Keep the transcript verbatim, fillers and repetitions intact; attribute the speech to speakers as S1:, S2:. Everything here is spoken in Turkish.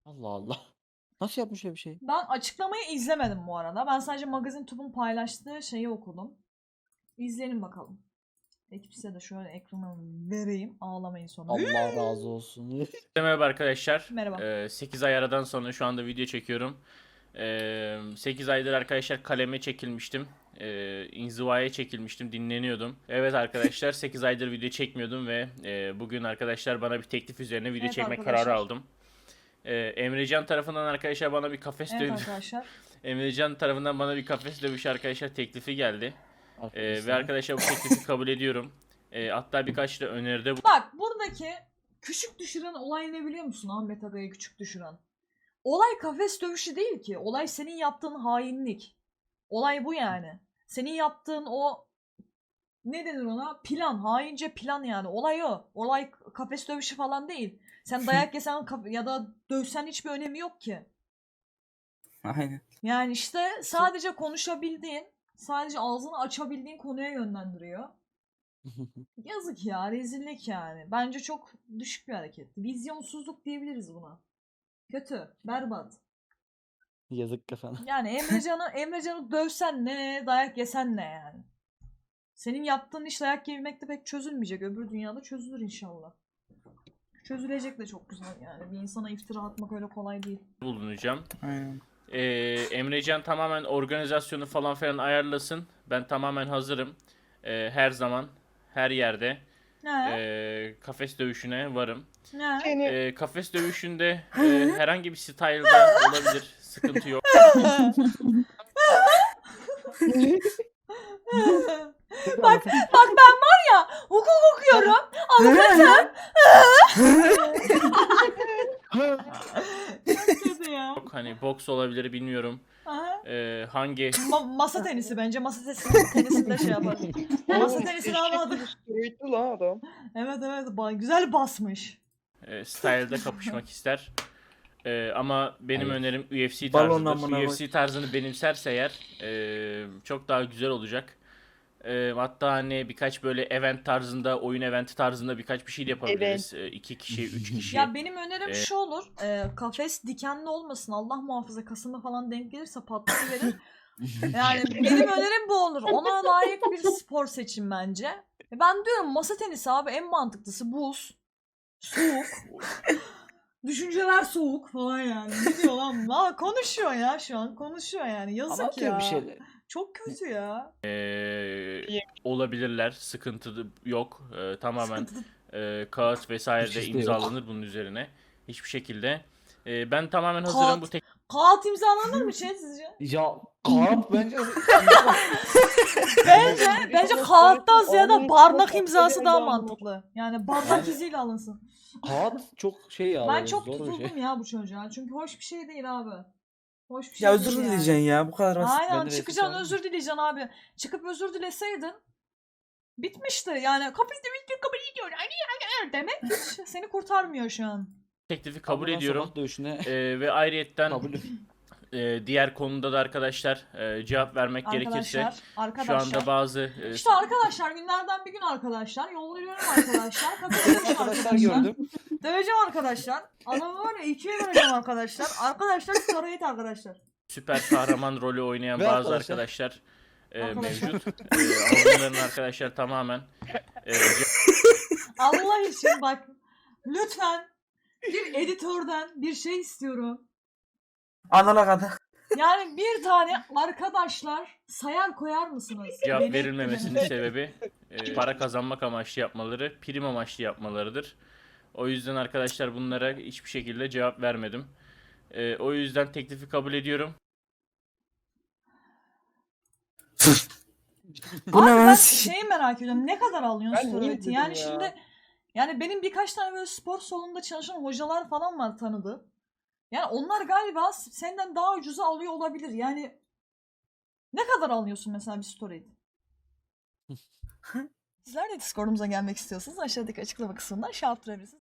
S1: Allah Allah. Nasıl yapmış öyle bir şey?
S2: Ben açıklamayı izlemedim bu arada. Ben sadece Magazin Tub'un paylaştığı şeyi okudum. İzleyelim bakalım. Ekip size de şöyle ekranı vereyim. Ağlamayın sonra.
S1: Allah razı olsun.
S3: Merhaba arkadaşlar.
S2: Merhaba.
S3: Ee, sekiz ay aradan sonra şu anda video çekiyorum. Ee, sekiz aydır arkadaşlar kaleme çekilmiştim. Ee, inzivaya çekilmiştim. Dinleniyordum. Evet arkadaşlar sekiz aydır video çekmiyordum ve e, bugün arkadaşlar bana bir teklif üzerine video
S2: Evet
S3: çekmek
S2: arkadaşlar.
S3: kararı aldım. Ee, Emrecan tarafından arkadaşlar bana bir kafes
S2: Evet
S3: dövüşü
S2: arkadaşlar.
S3: Emrecan tarafından bana bir kafes dövüşü arkadaşlar teklifi geldi. Ee,
S1: Arkadaşlar.
S3: ve arkadaşlar bu teklifi kabul ediyorum. Ee, hatta birkaç da öneride bu.
S2: Bak buradaki küçük düşüren olay ne biliyor musun Ahmet Aga'yı küçük düşüren? Olay kafes dövüşü değil ki. Olay senin yaptığın hainlik. Olay bu yani. Senin yaptığın o ne denir ona? Plan. Haince plan yani. Olay o. Olay kafes dövüşü falan değil. Sen dayak yesen kaf- ya da dövsen hiçbir önemi yok ki.
S4: Aynen.
S2: Yani işte sadece konuşabildiğin, sadece ağzını açabildiğin konuya yönlendiriyor. Yazık ya, rezillik yani. Bence çok düşük bir hareket. Vizyonsuzluk diyebiliriz buna. Kötü, berbat.
S1: Yazık kafana.
S2: Yani Emrecan'ı Emrecan'ı dövsen ne, dayak yesen ne yani. Senin yaptığın iş dayak yemekte pek çözülmeyecek. Öbür dünyada çözülür inşallah. Çözülecek de çok güzel yani. Bir insana iftira atmak öyle kolay değil.
S3: bulunacağım.
S4: Aynen.
S3: Ee, Emrecan tamamen organizasyonu falan filan ayarlasın. Ben tamamen hazırım. Ee, her zaman, her yerde
S2: Ne?
S3: ee, kafes dövüşüne varım.
S2: Ne?
S3: Ee, kafes dövüşünde ee, herhangi bir style'da olabilir. Sıkıntı yok.
S2: bak bak ben var ya hukuk okuyorum. Avukatım. Çok kötü ya.
S3: Yok hani boks olabilir bilmiyorum.
S2: Aha.
S3: Ee, hangi
S2: Ma- masa tenisi bence. Masa tenisi tenisinde şey yapar. Masa tenisini anladık.
S5: Eşekli lan adam.
S2: Evet evet ba- güzel basmış.
S3: ee, style'da kapışmak ister. Ee, ama benim
S1: Hayır.
S3: önerim U F C
S4: Balon
S3: tarzıdır.
S4: amına
S3: U F C tarzını benimserse eğer ee, çok daha güzel olacak. Ee, hatta hani birkaç böyle event tarzında, oyun eventi tarzında birkaç bir şey de yapabiliriz. Ee, iki kişi, üç kişi.
S2: Ya benim önerim
S3: Ee,
S2: şu olur. E, kafes dikenli olmasın. Allah muhafaza Kasım'a falan denk gelirse patlayıverir. Yani benim önerim bu olur. Ona layık bir spor seçin bence. E, Ben diyorum masa tenisi abi en mantıklısı buz. Soğuk. Düşünceler soğuk falan yani. Ne diyor lan? Aa, konuşuyor ya şu an. Konuşuyor yani. Yazık
S1: Ama
S2: ya.
S1: atıyor bir şeyler.
S2: Çok kötü ya.
S3: Ee, olabilirler. Sıkıntı da yok. Ee, tamamen
S2: Sıkıntı.
S3: e, kağıt vesaire
S1: Hiç
S3: de
S1: işte yok.
S3: imzalanır bunun üzerine. Hiçbir şekilde. Ee, ben tamamen hazırım bu
S2: Kağıt. Kağıt imzalanır mı şey sizce?
S1: Ya kağıt bence
S2: Bence, bence kağıttan ziyade
S5: Onun
S2: bardak
S5: çok
S2: imzası
S5: özel
S2: daha
S5: bir anlamı.
S2: mantıklı. Yani bardak
S1: Yani-
S2: iziyle alınsın.
S1: kağıt çok şey ya.
S2: Ben
S1: böyle
S2: çok
S1: zor bir
S2: tutuldum
S1: şey.
S2: ya bu çocuğa. Çünkü hoş bir şey değil abi. Hoş bir şey
S4: Ya
S2: değil
S4: özür
S2: yani.
S4: dileyeceksin ya. Bu kadar basit.
S2: Aynen
S1: Ben de
S2: çıkacaksın
S1: resim
S2: özür dileyeceksin abi. Çıkıp özür dileseydin bitmişti. Yani kapısı bitti kabul ediyor. Hani hani demek hiç seni kurtarmıyor şu an.
S3: teklifi kabul
S1: Ama ben
S3: ediyorum.
S1: sokak dövüşüne
S3: Ee, ve ayrıyetten
S1: kabul
S3: e, diğer konuda da arkadaşlar e, cevap vermek gerekirse
S2: Arkadaşlar,
S3: şu
S2: arkadaşlar.
S3: anda bazı e,
S2: İşte arkadaşlar günlerden bir gün arkadaşlar. Yolluyorum arkadaşlar. Katılıyorum
S1: arkadaşlar
S2: arkadaşlar.
S1: gördüm.
S2: Döveceğim arkadaşlar. Adamı var ya ikiye böleceğim arkadaşlar. Arkadaşlar sarayet arkadaşlar.
S3: süper kahraman rolü oynayan
S1: Ve
S3: bazı
S1: arkadaşlar-
S3: arkadaşlar e,
S2: Arkadaşlar.
S3: mevcut. E, ama bunların arkadaşlar tamamen e,
S2: Allah için bak lütfen bir editörden bir şey istiyorum.
S4: Anala kadar.
S2: Yani bir tane arkadaşlar sayar koyar mısınız?
S3: cevap
S2: Beni-
S3: verilmemesinin sebebi e, para kazanmak amaçlı yapmaları, prim amaçlı yapmalarıdır. O yüzden arkadaşlar bunlara hiçbir şekilde cevap vermedim. E, o yüzden teklifi kabul ediyorum.
S4: Bu
S2: Abi
S4: ne
S2: ben
S4: lan?
S2: şeyi merak ediyorum. Ne kadar alıyorsun
S5: Ben niye
S2: steroidi?
S5: izledim
S2: Yani
S5: ya?
S2: şimdi yani benim birkaç tane böyle spor salonunda çalışan hocalar falan var tanıdığım. Yani onlar galiba senden daha ucuza alıyor olabilir. Yani ne kadar alıyorsun mesela bir steroid? Sizler de Discord'umuza gelmek istiyorsanız aşağıdaki açıklama kısmından şey yaptırabilirsiniz.